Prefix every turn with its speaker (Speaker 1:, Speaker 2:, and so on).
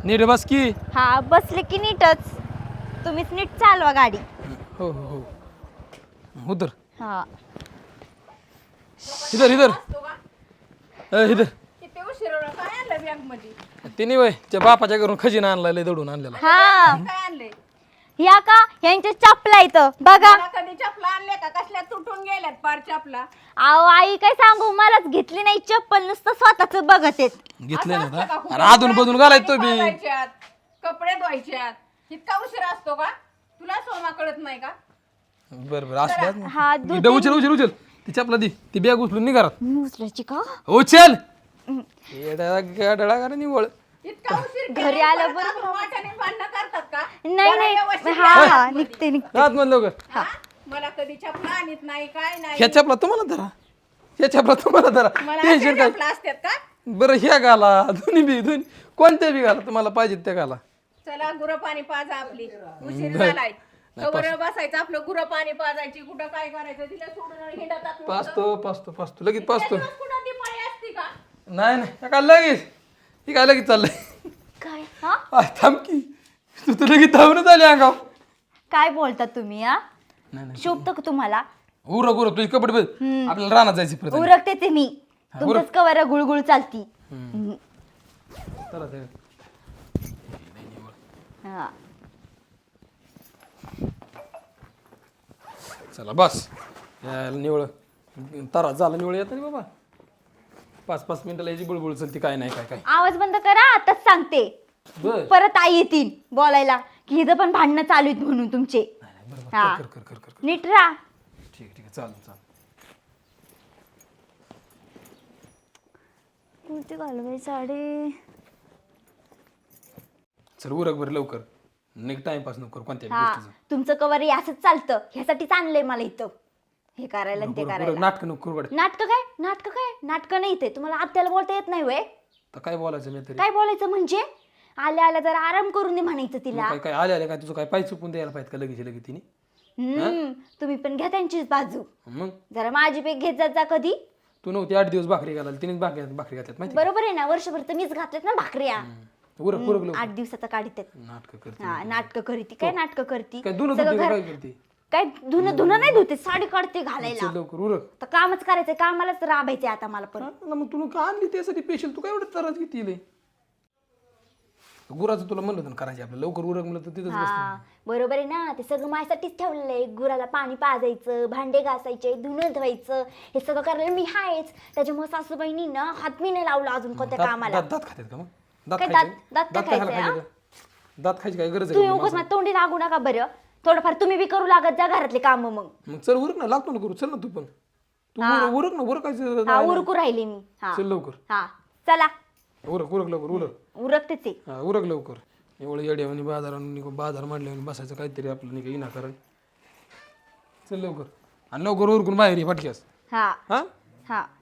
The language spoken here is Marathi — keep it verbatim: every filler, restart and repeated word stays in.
Speaker 1: नीट बस की.
Speaker 2: हा बसले की नीटच. तुम्हीच नीट चालवा गाडी.
Speaker 1: हो हो हो उतर.
Speaker 2: हा
Speaker 1: इधर इधर ए, इधर.
Speaker 3: किती उशीर काय आणलं बॅग मध्ये?
Speaker 1: तिने वय त्या बापाच्या घरून खजिना आणला लय दडून आणलेला.
Speaker 2: हा
Speaker 3: काय आणलंय?
Speaker 2: या का यांच्या चपला इथं बघा.
Speaker 3: मला कधी चपला आणले का? कसल्या तुटून गेल्यात पार चपला.
Speaker 2: अहो आई काय सांगू मलाच घेतली नाही चप्पल नुसतं स्वतःच बघत येत.
Speaker 1: घेतले
Speaker 3: असं असतं का?
Speaker 1: ना अरे अजून बदून घालायच तो बी.
Speaker 3: पाजायच्यात, कपडे धुवायच्यात. इतका उशीर असतो का? तुला सोमा कळत नाही का?
Speaker 1: बर बर असल्या
Speaker 2: हा दूध
Speaker 1: उचल उचल उचल ती चपला दी ती बॅग उचलून निघारात.
Speaker 2: उचलायची का
Speaker 1: उचल गाडळा का निवळ.
Speaker 3: इतका उशीर
Speaker 2: घरी
Speaker 3: केला,
Speaker 2: आलं
Speaker 3: परत
Speaker 2: बरं.
Speaker 3: आपण वाट्याने भांडणं करतात का?
Speaker 2: नाही
Speaker 3: जरा
Speaker 2: नाही
Speaker 3: व्यवस्थित
Speaker 2: हा
Speaker 3: राहा
Speaker 2: हा
Speaker 3: आतमध्ये.
Speaker 2: निघते निघते.
Speaker 1: रात म्हणलं लवकर.
Speaker 3: हा? मला कधी चपला आणत नाही काय नाही.
Speaker 1: ह्या चपला तुम्हाला धरा ह्या चपला तुम्हाला धरा
Speaker 3: मला
Speaker 1: टेन्शन
Speaker 3: अशा
Speaker 1: काय.
Speaker 3: चपला असतात का?
Speaker 1: बरं ह्या घाला दोन्ही बी दोन्ही कोणत्या बी घाला तुम्हाला पाहिजे त्या घाला.
Speaker 3: चला गुरं पाणी पाजा आपली. उशीर
Speaker 1: नाही.
Speaker 3: झालाय. कवर बसायचं आपलं गुरं पाणी पाजायची. कुठं काय करायचं तिला सोडून हिंडतात नुसतं.
Speaker 1: पाचतो पाचतो पाचतो लगेच पाचतो.
Speaker 3: दिवस कुठं ती पाळी असती का?
Speaker 1: नाही नाही काय लगेच ही काय लगेच चाललंय.
Speaker 2: काय हा
Speaker 1: आय, थांब की तू तर लगेच धावूनच आली अंगाव.
Speaker 2: काय बोलता तुम्ही हा
Speaker 1: नाही नाही
Speaker 2: शोभतं का तुम्हाला
Speaker 1: उरक उरक तुझी कपडे बघ आपल्याला रानात जायची परत.
Speaker 2: उरकते ते मी तुमचंच कवर गुळगुळ चालती. हम्म.
Speaker 1: चला ते.
Speaker 2: हा.
Speaker 1: चला बस यायला निवळ तारा झाला निवळ येत नाही बाबा. पाच पाच मिनिटाला याची बुळबुळ चलती काय नाही काय काय.
Speaker 2: आवाज बंद करा आताच सांगते.
Speaker 1: बर
Speaker 2: परत आई येतील बोलायला की इथं पण भांडणं चालू आहेत म्हणून तुमचे.
Speaker 1: बरोबर
Speaker 2: हा.
Speaker 1: कर कर कर कर कर.
Speaker 2: नीट राहा.
Speaker 1: ठीक आहे ठीक आहे चालेल चालेल.
Speaker 2: कोणती घालवाय साडी
Speaker 1: चल उरक बरं लवकर निघ टाइमपास नको करू कोणत्या बी
Speaker 2: हा
Speaker 1: गोष्टीचं.
Speaker 2: तुमचं कवर हे असंच चालतं ह्यासाठीच आणलंय मला इथं हे करायला आणि ते
Speaker 1: उरक, उरक,
Speaker 2: करायला.
Speaker 1: नाटक नको करू गड्या.
Speaker 2: नाटक काय नाटक काय नाटक नाही इथे तुम्हाला आत्याला बोलता येत नाही वय.
Speaker 1: तर काय बोलायचं मी तरी
Speaker 2: काय बोलायचं म्हणजे आल्या आल्या जरा आराम करून दे म्हणायचं तिला.
Speaker 1: काय काय आले आले काय तुझं काय पाय चुकून द्यायला पाहिजे का लगेच लगेच तिने.
Speaker 2: हम्म तुम्ही पण घ्या त्यांचीच बाजू.
Speaker 1: मग
Speaker 2: जरा माझी पेक घेत जात जा कधी.
Speaker 1: तू नव्हती आठ दिवस भाकरी घालायला तिने भाकरी भाकरी घातल्यात माहिती
Speaker 2: बरोबर आहे ना वर्षभर तर मीच घातलेत ना भाकऱ्या.
Speaker 1: का? उरक उरक लवकर
Speaker 2: आठ दिवसाचा काढीत
Speaker 1: नाटक करते.
Speaker 2: हा नाटक करती काय नाटक करती
Speaker 1: काय दोन
Speaker 2: सगळं घर-
Speaker 1: काय करते.
Speaker 2: काय धुणं धुणं नाही धुते साडी काढते घालायला.
Speaker 1: चल लवकर उरक.
Speaker 2: तर कामच करायचंय कामालाच राबायचंय आता मला पण.
Speaker 1: हा, ना मग तुला का आणली त्यासाठी पेशल तू काय एवढं त्रास घेतली गुराचं तुला म्हणलं होतं ना करायचे आपलं लवकर उरक म्हणलं तर तिथंच बसतो.
Speaker 2: हा बरोबर आहे ना ते सगळं माझ्यासाठीच ठेवलेलं आहे. गुराला पाणी पाजायचं भांडे घासायचे धुणं धुवायचं हे सगळं करायला मी आहेच. त्याच्यामुळे सासूबाईनी ना हात मी नाही लावला अजून कोणत्या
Speaker 1: दात
Speaker 2: कामाला.
Speaker 1: दात दात खातात का मग दात
Speaker 2: काय
Speaker 1: खायचे?
Speaker 2: दात- दात काय
Speaker 1: खायला
Speaker 2: खायचंय,
Speaker 1: पाहिजे का? दात खायची काय गरज आहे
Speaker 2: तुम्ही
Speaker 1: का
Speaker 2: उगाच
Speaker 1: माणसाला?
Speaker 2: माझ्या तोंडी लागू नका बरं. थोडंफार तुम्ही बी करू लागत जा घरातले काम मग.
Speaker 1: मग चल उरक ना लागतो ना करू चल ना तू पण तू उरक उरक ना उरकायचं
Speaker 2: हा उरकू राहिले मी. हा
Speaker 1: चल लवकर
Speaker 2: हा चला
Speaker 1: उरक उरक लवकर उरक
Speaker 2: उरकतेच आहे.
Speaker 1: हा उरक लवकर एवढं येड्यावानी बाजारात बाजार मांडल्यावर बसायचं काहीतरी आपलं नाही का विनाकारण. चल लवकर आणि लवकर उरकून बाहेर ये फटक्यास.
Speaker 2: हा
Speaker 1: हा
Speaker 2: हा